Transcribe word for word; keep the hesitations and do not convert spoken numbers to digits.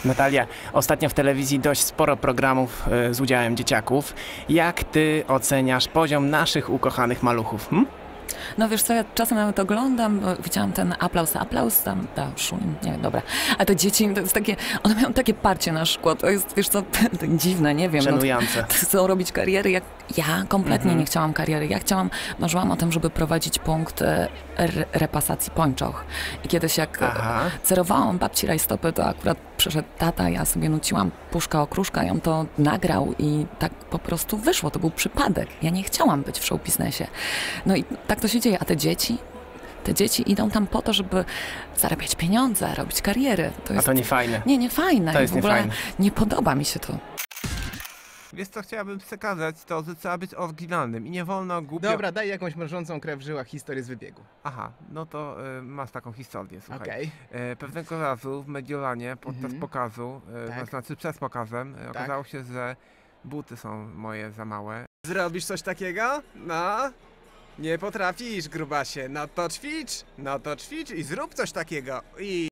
Natalia, ostatnio w telewizji dość sporo programów y, z udziałem dzieciaków. Jak ty oceniasz poziom naszych ukochanych maluchów? Hm? No wiesz co, ja czasem nawet oglądam, bo widziałam ten aplauz, aplauz, tam, ta Szulin, nie, dobra. A te dzieci, to jest takie, one mają takie parcie na szkło, to jest, wiesz co, tak dziwne, nie wiem. Szanujące. No, chcą robić kariery, jak ja kompletnie Mhm. nie chciałam kariery. Ja chciałam, marzyłam o tym, żeby prowadzić punkt e, re, repasacji pończoch. I kiedyś jak Aha. cerowałam babci rajstopy, to akurat przyszedł tata, ja sobie nuciłam Puszka Okruszka i on to nagrał i tak po prostu wyszło, to był przypadek. Ja nie chciałam być w show biznesie. No i tak to się dzieje, a te dzieci? Te dzieci idą tam po to, żeby zarabiać pieniądze, robić kariery. To jest... A to nie fajne. Nie, nie fajne. To jest w ogóle niefajne. nie podoba mi się to. Wiesz co chciałabym przekazać, to że trzeba być oryginalnym i nie wolno głupio... Dobra, daj jakąś mrożącą krew w żyłach historię z wybiegu. Aha, no to y, masz taką historię, słuchaj. Okej. E, pewnego razu w Mediolanie podczas Mhm. pokazu, e, Tak. znaczy przed pokazem, e, okazało się, że buty są moje za małe. Zrobisz coś takiego? No? Nie potrafisz, grubasie. No to ćwicz, no to ćwicz i zrób coś takiego. I...